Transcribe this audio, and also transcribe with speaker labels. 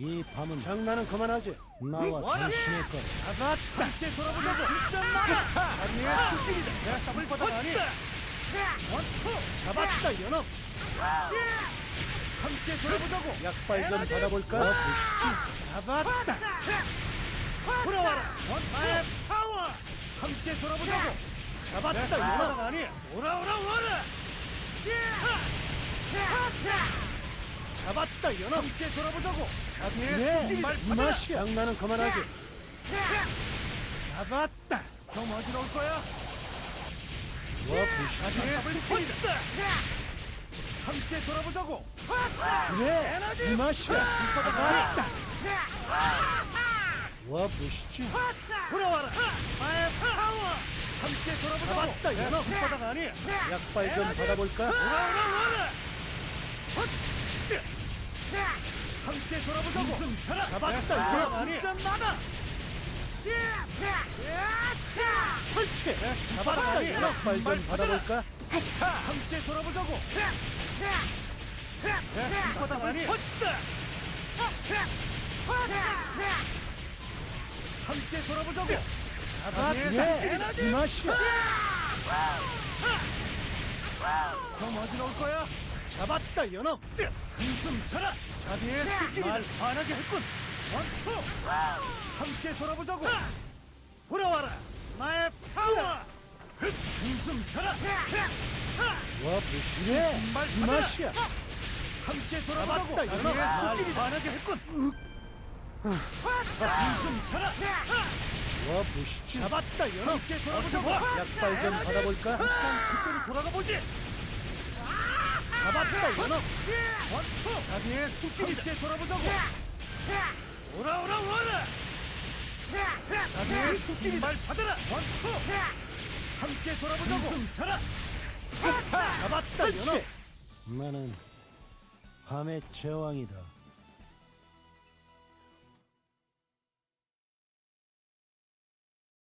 Speaker 1: 이 밤은
Speaker 2: 장난은 그만하지.
Speaker 1: 나와 당신의 것.
Speaker 2: 나가 함께 돌아보자고. 진짜 나가. 아니의 손길이다. 내가 쌈을 받아 아니. 원투 잡았다 연합. 함께 돌아보자고. 약발 좀 받아볼까? 잡았다. 돌아와라. 원투 파워. 함께 돌아보자고. 잡았다 연합 아니. 오라. 잡았다 연합. 함께 돌아보자고. 자비의 말 받아라. 장난은 그만하지. 잡았다. 좀 어지러울 거야. 와 부시자. 스포츠다. 함께 돌아보자고. 그래 이 맛이야. 잡았다. 와 부시지. 돌아와라. 마의 파워. 함께 돌아보자고. 잡았다 연합. 손바닥 아니. 약발 좀 받아볼까? 오라. 함께 돌아보자고. 웃음 차라. 잡았다 연합 아니. 진짜 나다. 펀치! 잡았다 연합발 좀 받아볼까? 함께 돌아보자고! 손바닥 아니! 펀치다! 함께 돌아보자고! 잡았다! 이 맛이야! 좀 어지러울 거야? 잡았다 연합! 한숨 쳐라! 자비의 손길이 날 반하게 했군! 원투! 함께 돌아보자고! 돌아와라! 나의 파워! 한숨 쳐라! 와 부시네! 이 맛이야! 함께 돌아보자고! 자비의 손길이 반하게 했군! 한숨 쳐라! 와 부시지! 잡았다 연합! 함께 돌아보자고! 약발 좀 받아볼까? 잠깐 그때로 돌아가보지! 잡았다 연합! 원투! 자비의 손길이다! 함께 돌아보자고! 오라! 자비의 손길이 말 받아라! 원투! 함께 돌아보자고! 숨 차라! 잡았다 연합!
Speaker 1: 나는 밤의 제왕이다.